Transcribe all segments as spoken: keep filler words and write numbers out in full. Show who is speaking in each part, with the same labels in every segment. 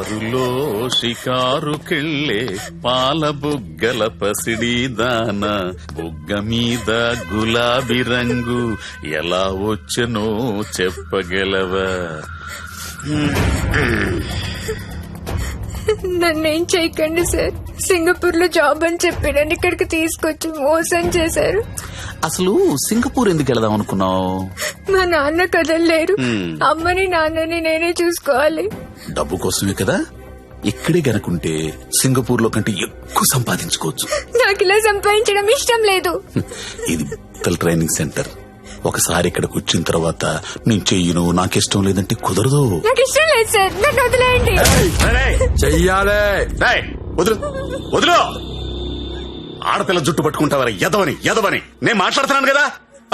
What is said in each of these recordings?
Speaker 1: కారులో షికారుకెళ్ళే పాల బుగ్గల పసిడి దాన బుగ్గ మీద గులాబీ రంగు ఎలా వచ్చనో చెప్పగలవా?
Speaker 2: నన్నేం చేయకండి సార్. సింగపూర్ లో జాబ్ అని చెప్పి నన్ను ఇక్కడికి తీసుకొచ్చి మోసం చేశారు.
Speaker 1: అసలు సింగపూర్ ఎందుకు వెళదాం అనుకున్నావు?
Speaker 2: మా నాన్న కదలలేరు. అమ్మని నాన్నని నేనే చూసుకోవాలి.
Speaker 1: డబ్బు కోసమే కదా. ఇక్కడే గనుకుంటే సింగపూర్ లో కంటే ఎక్కువ సంపాదించుకోవచ్చు.
Speaker 2: నాకు ఇలా సంపాదించడం ఇష్టం లేదు.
Speaker 1: ఇది ట్రైనింగ్ సెంటర్. ఒకసారి ఇక్కడికి వచ్చిన తర్వాత నేను చెయ్యను, నాకిష్టం లేదంటే కుదరదు.
Speaker 2: నాకు ఇష్టం లేదు సార్, నన్ను వదిలేయండి.
Speaker 3: చెయ్యాలే.
Speaker 1: వదులు వదులు. ఆడపిల్ల జుట్టు పట్టుకుంటావరా? ఎదవని ఎదవని నేను మాట్లాడుతున్నాను కదా.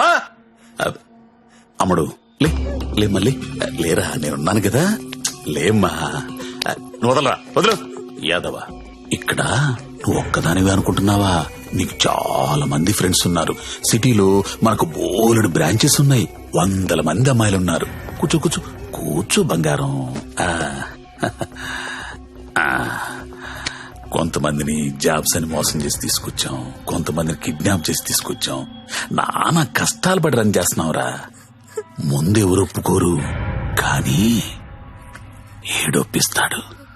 Speaker 1: అమ్ముడు లే లే మళ్ళీ లేరా, నేనున్నాను కదా. లేమ్మా, వదలరా, వదులు. యాదవ, ఇక్కడ నువ్వు ఒక్కదానివే అనుకుంటున్నావా? నీకు చాలా మంది ఫ్రెండ్స్ ఉన్నారు. సిటీలో మనకు బోలెడు బ్రాంచెస్ ఉన్నాయి. వందల మంది అమ్మాయిలు ఉన్నారు. కూర్చో కూర్చో కూర్చో బంగారం. కొంతమందిని జాబ్స్ అని మోసం చేసి తీసుకొచ్చాం, కొంతమందిని కిడ్నాప్ చేసి తీసుకొచ్చాం. నానా కష్టాలు పడి రన్ చేస్తున్నావురా. ముందెవరు ఒప్పుకోరు, కానీ ఏడొప్పిస్తాడు.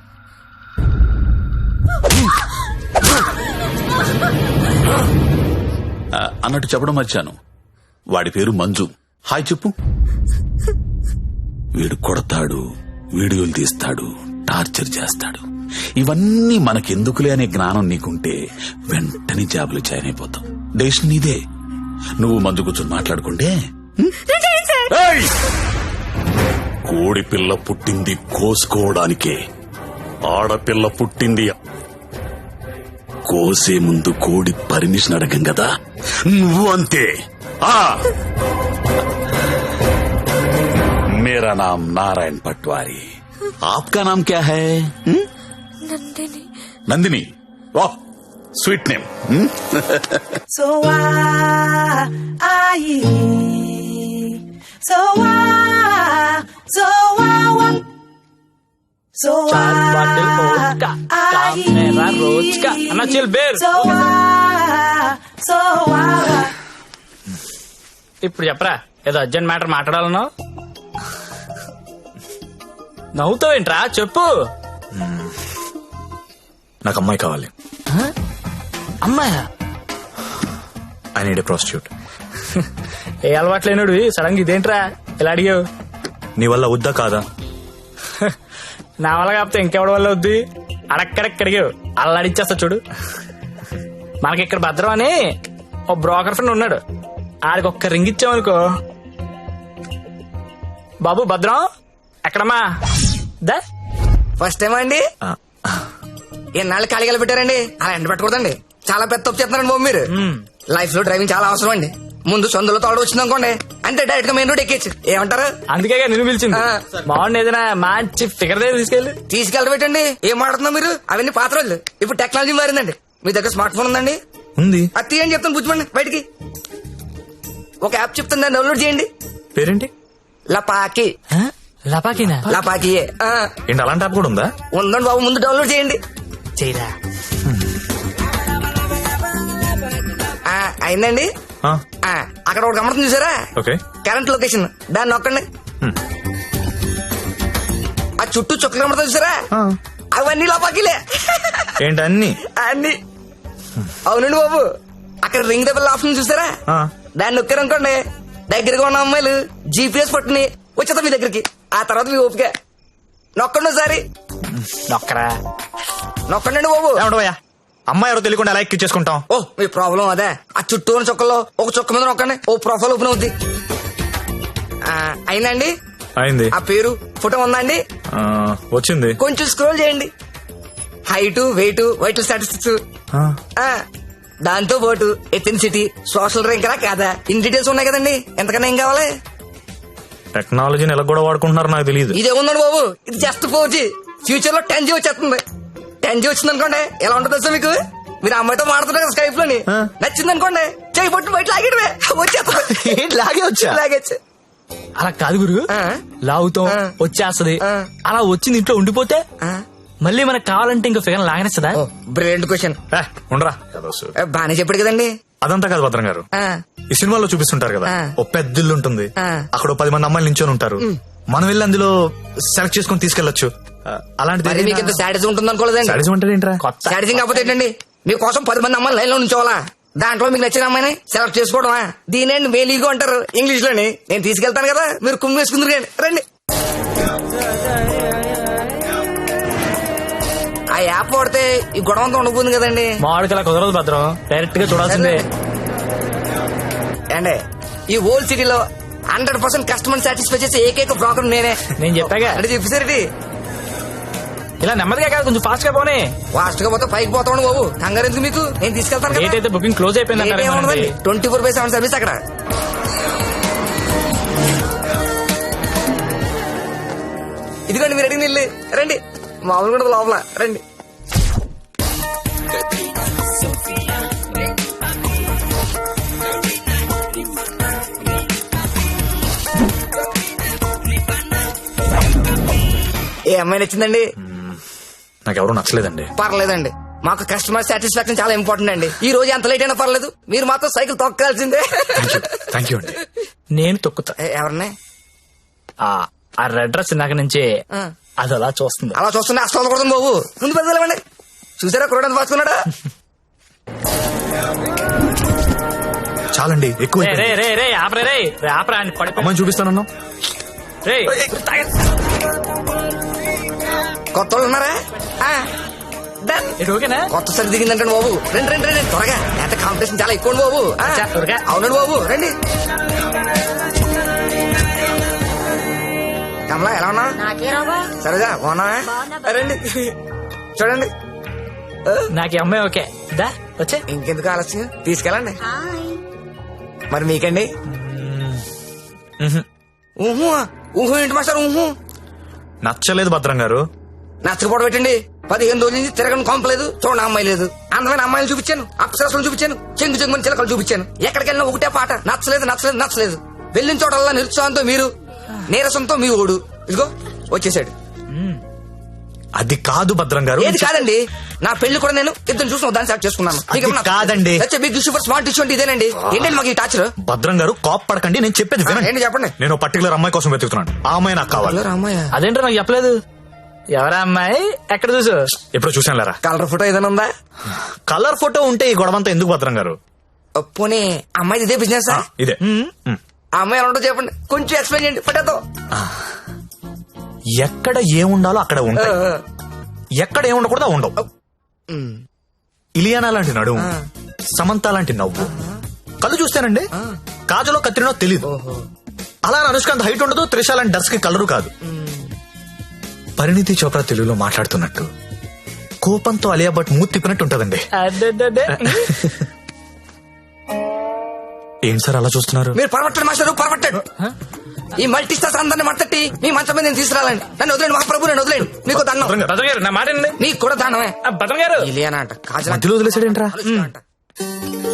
Speaker 1: అన్నట్టు చెప్పడం మర్చాను, వాడి పేరు మంజు. హాయ్ చెప్పు. వీడు కొడతాడు, వీడియోలు తీస్తాడు, టార్చర్ చేస్తాడు. ఇవన్నీ మనకెందుకులే అనే జ్ఞానం నీకుంటే వెంటనే జాబులు జాయిన్ అయిపోతాం. డెసిషన్ నీదే. నువ్వు మందు కూర్చొని మాట్లాడుకుంటే. కోడి పిల్ల పుట్టింది కోసుకోవడానికే, ఆడపిల్ల పుట్టింది కోసే ముందు కోడి పర్మిషన్ అడగం కదా. నువ్వు అంతే. मेरा नाम नारायण पटवारी, आपका नाम क्या है?
Speaker 2: నందిని.
Speaker 1: నందిని, वाह sweet name.
Speaker 4: So why, so why, so why, so
Speaker 5: चार बाटल वोडका, काम मेरा रोज का. अन्ना chill beer.
Speaker 4: so why, so why.
Speaker 5: ఇప్పుడు చెప్పరా, ఏదో అర్జెంట్ మ్యాటర్ మాట్లాడాలన్నావు. నవ్వుతావేంట్రా, చెప్పు.
Speaker 3: నాకు అమ్మాయి కావాలి.
Speaker 5: అమ్మాయా?
Speaker 3: I need a prostitute.
Speaker 5: ఏ అలవాటు లేనుడు సడన్ గా ఇదేంట్రా ఇలా అడిగావు?
Speaker 3: నీ వల్ల వద్దా కాదా?
Speaker 5: నా వల్ల కాకపోతే ఇంకెవడి వల్ల వద్ది? అడక్కడక్క అడిగావు, అలా అడిచేస్తా చూడు. మనకి ఇక్కడ భద్రం అని ఓ బ్రోకర్ ఫ్రెండ్ ఉన్నాడు. ఆడికి ఒక్క రింగ్ ఇచ్చామనుకో. బాబు భద్రం ఎక్కడమ్మా? దా
Speaker 6: ఫస్ట్ టైం అండి. ఎన్నాళ్ళు ఖాళీగా పెట్టారండి, అలా ఎండ పెట్టకూడదండి. చాలా పెద్ద తప్పు చేస్తున్నారండి బాబు మీరు. లైఫ్ లో డ్రైవింగ్ చాలా అవసరం అండి. ముందు సొందులో తోడు వచ్చింది అనుకోండి, అంటే డైరెక్ట్ గా మెయిన్ రోడ్ ఎక్కేచ్చు. ఏమంటారు?
Speaker 5: అందుకే నేను పిలిచింది. బాగుంది, ఏదైనా మంచి ఫిగర్ దగ్గర తీసుకెళ్ళి
Speaker 6: తీసుకెళ్ళబెట్టండి. ఏం మాడుతున్నా మీరు? అవన్నీ పాత రోజులు. ఇప్పుడు టెక్నాలజీ మారిందండి. మీ దగ్గర స్మార్ట్ ఫోన్ ఉందండి?
Speaker 3: ఉంది.
Speaker 6: అది తీయండి చెప్తాను, బుజ్జిమండి బయటికి. ఒక యాప్ చెప్తాను, దాన్ని డౌన్లోడ్ చేయండి.
Speaker 3: పేరేంటి?
Speaker 6: లపాకి.
Speaker 5: లపాకినా?
Speaker 6: లపాకి
Speaker 3: ఏంటి, అలాంటి యాప్ కూడా ఉందా?
Speaker 6: ఉందండి బాబు, ముందు డౌన్లోడ్ చేయండి.
Speaker 5: చేయరా.
Speaker 6: అయిందండి. అక్కడ ఒకటి గమనింది చూసారా?
Speaker 3: ఓకే.
Speaker 6: కరెంట్ లొకేషన్, దాన్ని నొక్కండి. ఆ చుట్టూ చుక్కలు కమర్తా చూసారా? అవన్నీ లపాకిలే.
Speaker 3: ఏంటి అన్ని?
Speaker 6: అన్ని. అవునండి బాబు, అక్కడ రింగ్ దెబ్బల ఆప్షన్ చూసారా? దాన్ని నొక్కారనుకోండి, దగ్గరగా ఉన్న అమ్మాయిలు జీపీఎస్ పట్టుని వచ్చేద్దాం మీ దగ్గరికి. ఆ తర్వాత మీ ఓపిక. నొక్కండి ఒకసారి.
Speaker 5: నొక్కరా.
Speaker 6: నొక్కండి బాబు.
Speaker 3: ఏమంటావయ్యా, అమ్మాయి ఎవరో తెలియకుండా ఎలా ఎక్కి చేసుకుంటాం?
Speaker 6: ఓ మీ ప్రాబ్లం అదే. ఆ చుట్టూ ఉన్న చుక్కల్లో ఒక చుక్క మీద నొక్కండి, ఓ ప్రొఫైల్ ఓపెన్ అవుద్ది. అయిందండి?
Speaker 3: అయింది.
Speaker 6: ఆ పేరు ఫోటో ఉందా అండి?
Speaker 3: వచ్చింది.
Speaker 6: కొంచెం స్క్రోల్ చేయండి. హైట్, వెయిట్, వైటల్ స్టాటిస్టిక్స్, దాంతో పాటు ఎథెన్సిటీ, సోషల్ ర్యాంక్ రా కాదా, ఇన్ డీటెయిల్స్ ఉన్నాయి కదండి. ఎంతకన్నా ఏం కావాలి?
Speaker 3: టెక్నాలజీని ఎలా కూడా వాడుకుంటున్నారు నాకు తెలియదు.
Speaker 6: ఇదే ఉందండి బాబు, ఇది జస్ట్ ఫోర్ జీ. ఫ్యూచర్ లో టెన్ జీ వచ్చేస్తుంది. టెన్ జీ వచ్చింది అనుకోండి, ఎలా ఉంటుంది సార్ మీకు? మీరు అమ్మాయితో మాడుతున్నారు కదా స్కైప్ లోని, నచ్చింది అనుకోండి, చేయి పట్టు బయట లాగేటమే వచ్చేస్తుంది.
Speaker 3: లాగే వచ్చా?
Speaker 6: లాగేచ్చు.
Speaker 5: అలా కాదు గురు, లాగుతాం వచ్చేస్తది. అలా వచ్చింది ఇంట్లో ఉండిపోతే మళ్ళీ మనకు కావాలంటే ఇంకో ఫిగర్ లాగనేస్తుందా?
Speaker 6: Brilliant question.
Speaker 3: ఏ, ఉండరా ఏదో సు-
Speaker 6: బానే చెప్పాడు కదండి.
Speaker 3: అదంతా కాదు భద్రం గారు.
Speaker 6: ఆ,
Speaker 3: ఈ సినిమాలో చూపిస్తుంటారు కదా,
Speaker 6: ఆ.
Speaker 3: ఓ పెద్ద ఇల్లు ఉంటుంది,
Speaker 6: ఆ.
Speaker 3: అక్కడ ఓ పది మంది అమ్మాయిలు నించొని ఉంటారు, మనం వెళ్ళి అందులో సెలెక్ట్ చేసుకుని తీసుకెళ్లొచ్చు. ఆ, అలాంటిది
Speaker 6: మరి మీకు ఇంత శాడిజం ఉంటుంది అనుకోలేదండి.
Speaker 3: సాడిజం అంటే ఏంట్రా?
Speaker 5: కొత్త
Speaker 6: శాడిజం కాకపోతే ఏంటండి, మీకోసం పది మంది అమ్మాయిలు లైన్ లో ఉంచోవాలా? దాంట్లో మీకు నచ్చిన అమ్మాయిని సెలెక్ట్ చేసుకోవడమా? దీనేండి మేలీగో అంటారు ఇంగ్లీష్ లోని. నేను తీసుకెళ్తాను కదా, మీరు కుమ్మి వేసుకుందరు కానీ రండి. ఆ యాప్ వాడితే ఈ గొడవ అంతా ఉండబోతుంది కదండి.
Speaker 5: మామిడికి అలా కుదరదు భద్రం, డైరెక్ట్ గా చూడాల్సిందే.
Speaker 6: అండి ఈ ఓల్డ్ సిటీలో హండ్రెడ్ పర్సెంట్ కస్టమర్ సాటిస్ఫై చేసే ఏకైక బ్రోకర్ నేనే.
Speaker 5: నేను చెప్పాగా
Speaker 6: అంటే చెప్పేసరికి
Speaker 5: ఇలా నెమ్మదిగా కాదు, కొంచెం ఫాస్ట్ గా పోనీ.
Speaker 6: ఫాస్ట్ గా పోతే పైకి పోతాను బాబు. కంగారు ఎందుకు మీకు, నేను తీసుకెళ్తాను
Speaker 5: డేట్ అయితే బుకింగ్ క్లోజ్ అయిపోయింది.
Speaker 6: Twenty four by seven service అక్కడ. ఇదిగోండి మీరు అడిగిన ఇల్లు, రండి. మామూలు కూడా లోపల రండి. ఏ అమ్మాయి నచ్చిందండి?
Speaker 3: నాకెవరూ నచ్చలేదండి.
Speaker 6: పర్లేదండి, మాకు కస్టమర్ సాటిస్ఫాక్షన్ చాలా ఇంపార్టెంట్ అండి. ఈ రోజు ఎంత లేట్ అయినా పర్లేదు, మీరు మాత్రం సైకిల్ తొక్కాల్సిందే.
Speaker 3: థ్యాంక్ యూ అండి.
Speaker 5: నేను తొక్కుతా.
Speaker 6: ఏ, ఎవరిని?
Speaker 5: ఆ ఆ రెడ్ డ్రెస్ ఇందాక నుంచి
Speaker 6: ఆ.
Speaker 5: అది అలా చూస్తుంది.
Speaker 6: అలా చూస్తున్నా అసలు కొడుతుంది బాబు. ముందు పెద్దలేమండి. చూసారా కురడానికి పాసుకున్నాడా?
Speaker 3: చాలండి, ఎక్కువ
Speaker 5: రే రే రే రే ఆపరే రే రే ఆపరా అని పడి
Speaker 3: అమ్మాయిని చూపిస్తానన్నా.
Speaker 5: రే
Speaker 6: కొత్త వాళ్ళు ఉన్నారా? ఆ, done.
Speaker 5: ఇది ఓకేనా?
Speaker 6: కొత్త సరి దిగిందంటే బాబు. రండి రండి రండి త్వరగా, ఎంత కాంపిటీషన్ చాలా ఎక్కువ బాబు. ఆ,
Speaker 5: అచ్చా, త్వరగా.
Speaker 6: అవునండి బాబు, రండి. కమలా ఎలా ఉన్నా? సరేగా బాగున్నా? రండి చూడండి.
Speaker 5: నాకు ఈ అమ్మాయి ఓకే. దా వచ్చే.
Speaker 6: ఇంకెందుకు ఆలస్యం, తీసుకెళ్ళండి. మరి మీకండి? ఊహు ఊహు ఏంటి మాస్టర్? ఊహు
Speaker 3: నచ్చలేదు భద్రం గారు.
Speaker 6: నచ్చకపోవడం పెట్టండి. పదిహేను రోజుల నుంచి తిరగని కొంపలేదు, చూడండి అమ్మాయి లేదు. అందమైన అమ్మాయిలు చూపించాను, అప్సరసలు చూపించాను, చెంగు చెంగుని చిలకలు చూపించాను. ఎక్కడికి వెళ్ళినా ఒకటే పాట, నచ్చలేదు నచ్చలేదు నచ్చలేదు. వెళ్ళిన చోటల్లా నిరుత్సాహంతో మీరు, నీరసంతో మీ ఓడు. ఇదిగో వచ్చేసాడు.
Speaker 3: అది కాదు భద్రం గారు.
Speaker 6: ఏది కాదండి, నా పెళ్లి కూడా నేను ఇద్దరు చూసిన దాన్ని సెలెక్ట్ చేసుకున్నాను.
Speaker 3: అది కాదండి.
Speaker 6: Big issue for smart issue అంటే ఇదేనండి. ఏంటండి మాకు ఈ టాచర్?
Speaker 3: భద్రం గారు కాప్ పడకండి, నేను చెప్పేది వినండి.
Speaker 6: ఏంటి చెప్పండి.
Speaker 3: నేను పర్టికులర్ అమ్మాయి కోసం వెతుకుతున్నాను. ఆ అమ్మాయి నాకు కావాలి.
Speaker 6: రామయ్య,
Speaker 5: అదేంటో నాకు చెప్పలేదు. ఎవరా అమ్మాయి? ఎక్కడ చూసు?
Speaker 3: ఎప్పుడు చూసాను లేరా.
Speaker 6: కలర్ ఫోటో ఏదైనా ఉందా?
Speaker 3: కలర్ ఫోటో ఉంటే ఈ గొడవంతా ఎందుకు భద్రం గారు?
Speaker 6: పోనీ అమ్మాయి ఇదే బిజినెస్?
Speaker 3: ఇదే. మ్.
Speaker 6: ఆ అమ్మాయి ఎలా ఉంటో చెప్పండి, కొంచెం ఎక్స్ప్లెయిన్ చేయండి. ఫోటోతో
Speaker 3: ఎక్కడ ఏముండాలో అక్కడ ఉంటాయి, ఎక్కడ ఏముండకూడదో ఉండవు. ఇలియానా లాంటి నడుము, సమంత లాంటి నవ్వు, కళ్ళు చూస్తానండి కాజలో కత్తిరినో తెలీదు. అలా అనుష్కాంత్ హైట్ ఉండదు, త్రిష లాంటి డర్స్ కి కలరు కాదు. పరిణితి చోప్రా తెలుగులో మాట్లాడుతున్నట్టు, కోపంతో అలియా భట్ మూతి తిప్పినట్టు ఉంటదండి.
Speaker 5: అడ్డడ్డడ్డే.
Speaker 3: ఏం సార్ అలా చూస్తున్నారు?
Speaker 6: మీరు పరమట్టండి మాస్టర్, పరమట్టండి. ఈ మల్టీ స్టార్స్ అందరిని మట్టట్టి మీ మంచం మీద నేను తీసుకురాలండి. నన్ను వదిలేండి మహాప్రభు, నేను వదిలేండి. మీకు దండం.
Speaker 5: భద్రం గారు నా మాట అండి.
Speaker 6: నీకు కూడా దండమే.
Speaker 5: భద్రం గారు
Speaker 6: ఇలియానా అంట, కాజల్
Speaker 3: మధ్యలో వదిలేసాడేంట్రా?
Speaker 6: అంట.